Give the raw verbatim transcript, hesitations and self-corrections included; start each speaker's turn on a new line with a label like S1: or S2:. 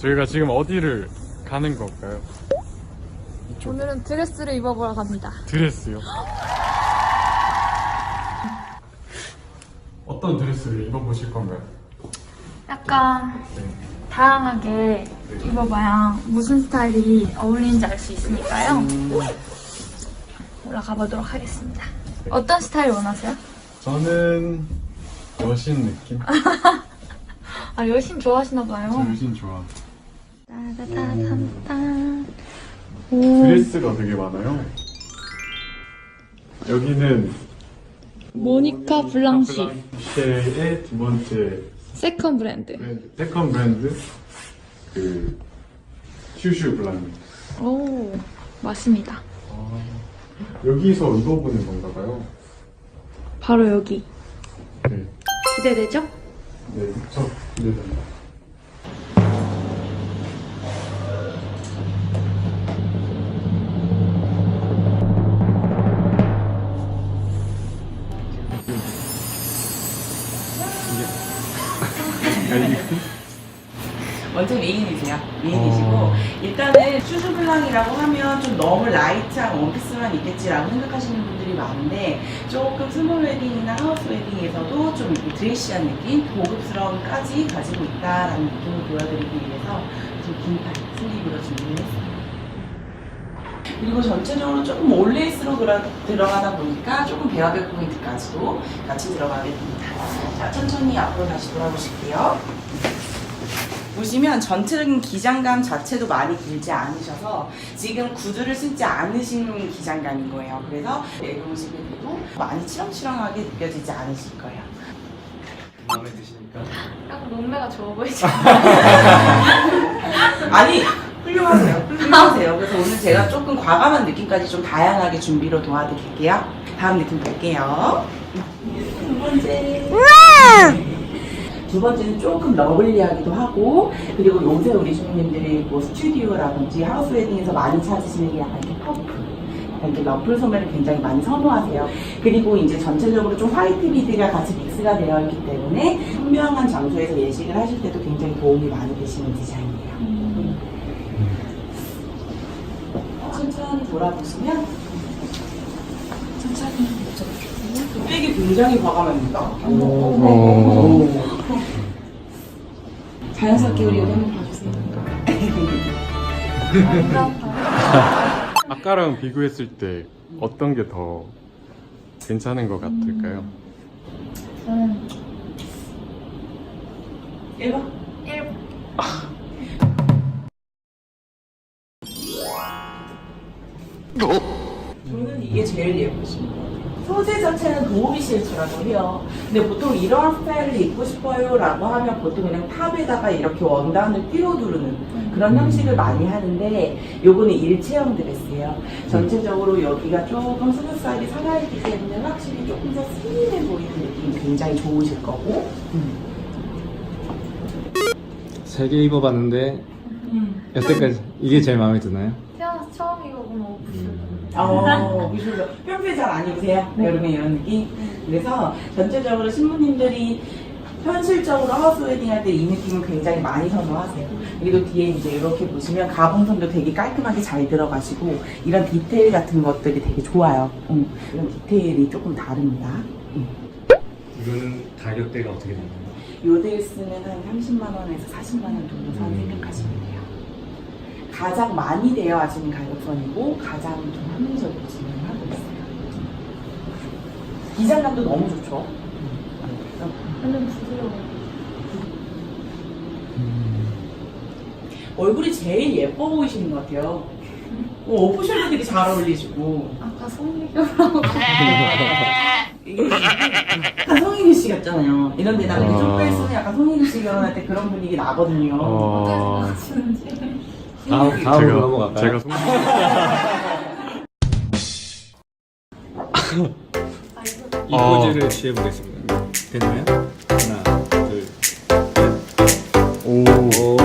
S1: 저희가 지금 어디를 가는 건가요?
S2: 오늘은 드레스를 입어보러 갑니다.
S1: 드레스요? 어떤 드레스를 입어보실 건가요?
S2: 약간 다양하게 입어봐야 무슨 스타일이 어울리는지 알 수 있으니까요. 올라가 보도록 하겠습니다. 어떤 스타일 원하세요?
S1: 저는 여신 느낌?
S2: 아, 여신 좋아하시나
S1: 저
S2: 봐요.
S1: 여신 좋아.
S2: 따다다단단.
S1: 드레스가 되게 많아요. 여기는
S2: 모니카 블랑시
S1: 쉐의 두 번째
S2: 세컨 브랜드.
S1: 브랜드, 세컨 브랜드 그 슈슈 블랑드.
S2: 오, 맞습니다.
S1: 아, 여기서 입어보는 건가 봐요.
S2: 바로 여기.
S1: 네,
S2: 기대되죠?
S1: 네, 저 기대됩니다.
S3: 먼저 메인이세요. 메인이시고 어. 일단은 슈즈블랑이라고 하면 좀 너무 라이트한 원피스만 있겠지라고 생각하시는 분들이 많은데 조금 스몰 웨딩이나 하우스 웨딩에서도 좀 이렇게 드레시한 느낌, 고급스러움까지 가지고 있다라는 느낌을 보여드리기 위해서 좀 긴팔 슬립으로 준비를 했어요. 그리고 전체적으로 조금 올레이스로 들어, 들어가다 보니까 조금 베어백 포인트까지도 같이 들어가게 됩니다. 자, 천천히 앞으로 다시 돌아보실게요. 보시면 전체적인 기장감 자체도 많이 길지 않으셔서 지금 구두를 신지 않으신 기장감인 거예요. 그래서 내려오시게 돼도 많이 치렁치렁하게 느껴지지 않으실 거예요.
S4: 마음에 드시니까?
S2: 약간 몸매가 좋아 보이죠?
S3: 아니 훌륭하세요. 훌륭하세요. 그래서 오늘 제가 조금 과감한 느낌까지 좀 다양하게 준비로 도와드릴게요. 다음 느낌 볼게요. 두 번째. 두 번째는 조금 러블리하기도 하고, 그리고 요새 우리 주부님들이 뭐 스튜디오라든지 하우스 웨딩에서 많이 찾으시는 게 약간 이렇게 퍼프, 이렇게 러플 소매를 굉장히 많이 선호하세요. 그리고 이제 전체적으로 좀 화이트 비드가 같이 믹스가 되어 있기 때문에 선명한 장소에서 예식을 하실 때도 굉장히 도움이 많이 되시는 디자인이에요. 음. 천천히 돌아보시면 천천히 백이 굉장히 과감합니다. 오. 자연스럽게 우리 여기 한번 봐주세요.
S1: 아까랑 비교했을 때 어떤 게 더 괜찮은 것 같을까요?
S2: 저는
S3: 일 번.
S2: 일 번.
S3: 저는 이게 제일 예쁘신 것 같아요. 소재 자체는 도우미 실츠라고 해요. 근데 보통 이런 스타일을 입고 싶어요 라고 하면 보통 그냥 탑에다가 이렇게 원단을 띄워두르는 그런 형식을 많이 하는데 요거는 일체형 드레스예요. 전체적으로 여기가 조금 스무스하게 살아있기 때문에 확실히 조금 더 슬림해 보이는 느낌이 굉장히 좋으실 거고.
S4: 세 개 입어봤는데
S3: 음.
S4: 여태까지 이게 제일 마음에 드나요?
S2: 태어나서 처음 입어본 오프쇼.
S3: 어, 미술도 평소에 잘 안 입으세요?
S2: 네.
S3: 여름에 이런 느낌? 그래서 전체적으로 신부님들이 현실적으로 하우스 웨딩 할 때 이 느낌을 굉장히 많이 선호하세요. 그리고 뒤에 이제 이렇게 보시면 가봉선도 되게 깔끔하게 잘 들어가시고 이런 디테일 같은 것들이 되게 좋아요. 음, 이런 디테일이 조금 다릅니다. 음.
S4: 이거는 가격대가 어떻게 되나요?
S3: 요 드레스는 한 삼십만 원에서 사십만 원 정도 선 생각하시면 돼요. 가장 많이 되어하시는 가격선이고 가장 좀 합리적으로 진행하고 있어요. 기장감도 너무 좋죠.
S2: 완전 부드러워.
S3: 얼굴이 제일 예뻐 보이시는 것 같아요. 어, 오프숄더 되게 잘 어울리시고.
S2: 아까 성미교라고.
S3: 약간 성인규 씨 같잖아요. 이런 데다가 이렇게 좀 빼쓰면 약간 성인규 씨 결혼할 때 그런 분위기 나거든요.
S1: 어...
S2: 하시는지.
S4: 다음, 다음으로 넘어갈까요?
S1: 제가 송...
S4: 이 포즈를 취해보겠습니다. 됐나요? 하나, 둘, 셋.
S1: 오.
S4: 오.